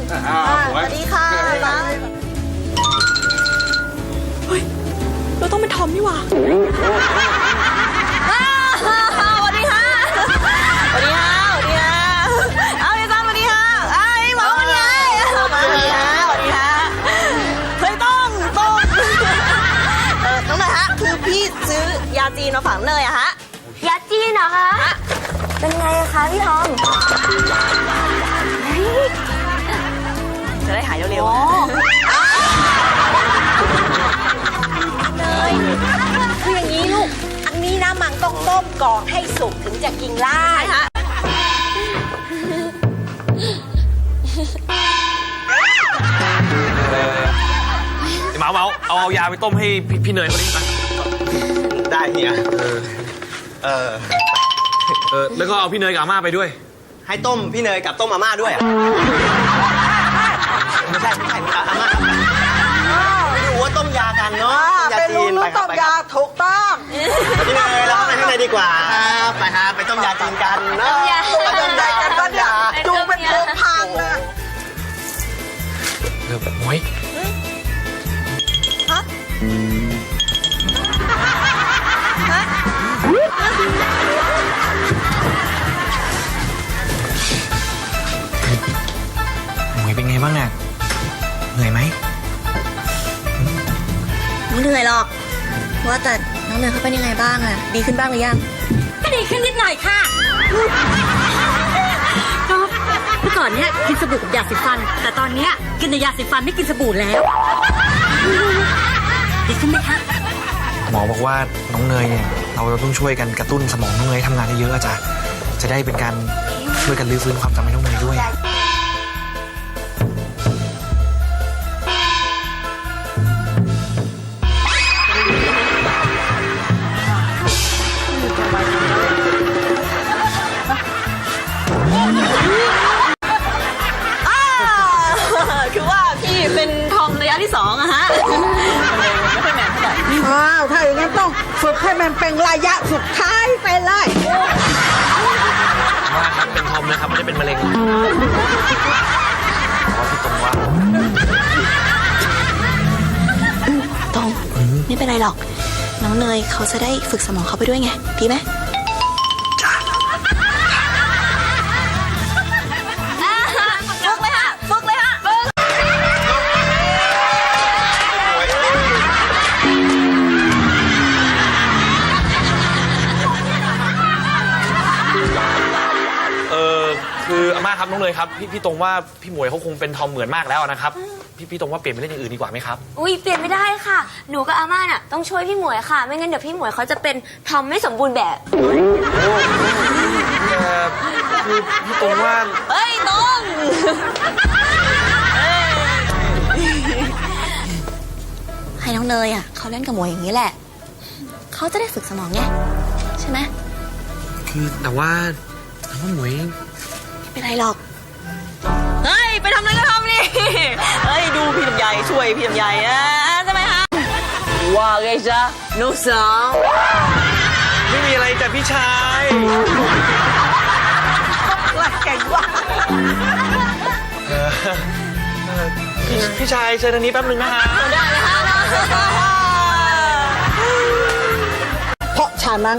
สวัสดีค่ะเฮ้ยเราต้องเป็นทอมนี่หว่าสวัสดีค่ะสวัสดีค่ะสวัสดีค่ะเอาไอ้ตั้มสวัสดีค่ะไอ้หมอสวัสดีค่ะสวัสดีค่ะสวัสดีค่ะเฮ้ยต้องน้องหน่อยฮะคือพี่ซื้อยาจีนมาฝากเนยอะฮะยาจีนเหรอคะเป็นไงคะพี่ทอมจะได้หายเร็วๆเลยคืออย่างนี้ลูกอันนี้นะมันต้องต้มก่อนให้สุกถึงจะกินได้ฮะเมาเอายาไปต้มให้พี่เนยเขาดิมาได้เฮียแล้วก็เอาพี่เนยกับอาม่าไปด้วยให้ต้มพี่เนยกับต้มอาม่าด้วยไม่ใช่อาม่าอยู่ว่าต้มยากันเนาะยาจีนไปครับไปครับถูกต้องพี่เนยเราเข้าไปข้างในดีกว่าไปฮะไปต้มยาจีนกันเนาะต้มยากันก็อย่าจุงเป็นโคมพังนะโอ้ยฮะหมวยเป็นไงบ้างน่ะเหนื่อยไหมไม่เหนื่อยหรอกว่าแต่น้องเนยเขาเป็นยังไงบ้างอะดีขึ้นบ้างหรือยังก็ดีขึ้นนิดหน่อยค่ะก็เมื่อก่อนเนี้ยกินสบู่กับยาสีฟันแต่ตอนเนี้ยกินแต่ยาสีฟันไม่กินสบู่แล้วดีขึ้นไหมคะหมอบอกว่าน้องเนยเนี่ยเราต้องช่วยกันกระตุ้นสมองน้องเนยทำงานเยอะๆจ้ะจะได้เป็นการช่วยกันรื้อฟื้นความจำให้น้องเนยด้วยคือว่าพี่เป็นทอมระยะที่2อะฮะไม่ค่อยแมนเท่าไหร่ถ้าอย่างนั้นต้องฝึกให้มันเป็นระยะสุดท้ายไปเลยว่าครับเป็นทอมนะครับไม่ได้เป็นมะเร็งพี่ตรงว่าตรงไม่เป็นไรหรอกน้องเนยเขาจะได้ฝึกสมองเขาไปด้วยไงดีไหมคืออาม่าครับน้องเนยครับพี่ตรงว่าพี่หมวยเขาคงเป็นทอมเหมือนมากแล้วนะครับพี่ตรงว่าเปลี่ยนไปเล่นอย่างอื่นดีกว่าไหมครับอุ้ยเปลี่ยนไม่ได้ค่ะหนูกับอาม่าน่ะต้องช่วยพี่หมวยค่ะไม่งั้นเดี๋ยวพี่หมวยเขาจะเป็นทอมไม่สมบูรณ์แบบคือพี่ตรงว่าเฮ้ยตรงให้น้องเนยอ่ะเขาเล่นกับหมวยอย่างนี้แหละเขาจะได้ฝึกสมองไงใช่ไหมคือแต่ว่าหมวยไม่เป็นไรหรอกเฮ้ยไปทำอะไรก็ทำนี่เฮ้ยดูพี่ลำไยช่วยพี่ลำไยใช่ไหมฮะว่าไงจ๊ะนุ๊กสาวไม่มีอะไรแต่พี่ชายเก่งว่ะพี่ชายเชิญทางนี้แป๊บนึงนะฮะได้เลยฮะเพราะฉะนั้น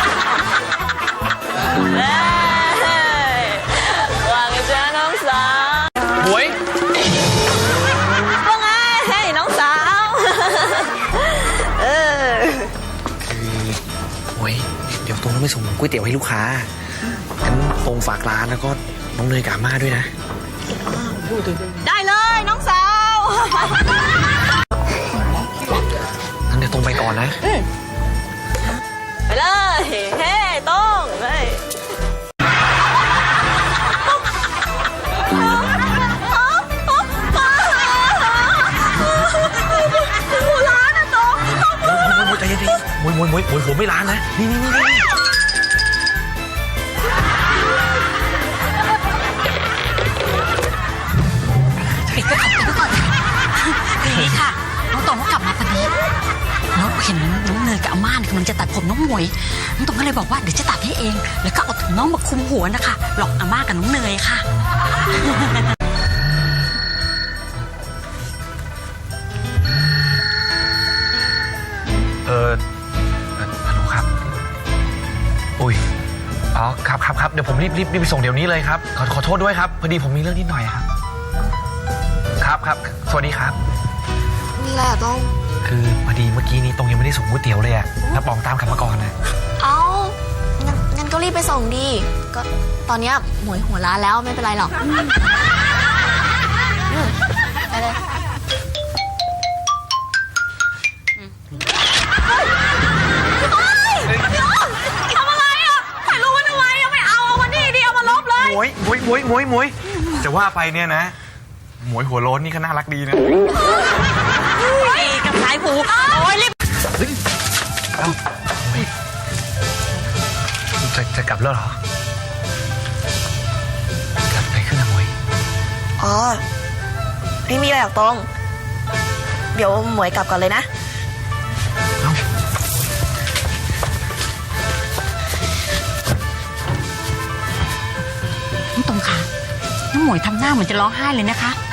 ว่าไงจ๊ะน้องสาวหมวยว่าไงเฮ้ยน้องสาวคือหมวยเดี๋ยวตรงต้องไปส่งก๋วยเตี๋ยวให้ลูกค้างั้นตรงฝากร้านแล้วก็น้องเนยกับอาม่าด้วยนะได้เลยน้องสาวงั้นเดี๋ยวตรงไปก่อนนะไปเลยเฮ้ต้องเฮ้ยหัวร้านอะต้องมวยใจเย็นๆมวยหัวไม่ร้านนะนี่ปิดไปก่อนคืออย่างนี้ค่ะน้องตองก็กลับมาพอดีน้องเห็นน้องเนยกับอาม่ากำลังจะตัดผมน้องหมวยน้องตองก็เลยบอกว่าเดี๋ยวจะตัดให้เองแล้วก็เอาถุงน้องมาคุมหัวนะคะหลอกอาม่ากับน้องเนยค่ะเดี๋ยวผมรีบไปส่งเดี๋ยวนี้เลยครับขอโทษด้วยครับพอดีผมมีเรื่องนิดหน่อยครับครับสวัสดีครับมีอะไรอะต้องคือพอดีเมื่อกี้นี้ตรงยังไม่ได้ส่งก๋วยเตี๋ยวเลยอะแล้วปองตามกลับมาก่อนนะเอางั้นก็รีบไปส่งดีก็ตอนเนี้ยหมวยหัวร้านแล้วไม่เป็นไรหรอกไปเลยทำอะไรอ่ะถ่ายรูปไว้ทำไมอ่ะไม่เอาวันนี้ดีเอามาลบเลยหมวยจะว่าไปเนี่ยนะหมวยหัวโล้นนี่ก็น่ารักดีนะดีกับสายผูโอ้ยรีบเอ้าหมวยจะกลับแล้วเหรอ กลับไปขึ้นนะหมวยอ๋อไม่มีอะไรหรอกตรงเดี๋ยวหมวยกลับก่อนเลยนะเอ้าน้องตรงค่ะน้องหมวยทำหน้าเหมือนจะร้องไห้เลยนะคะ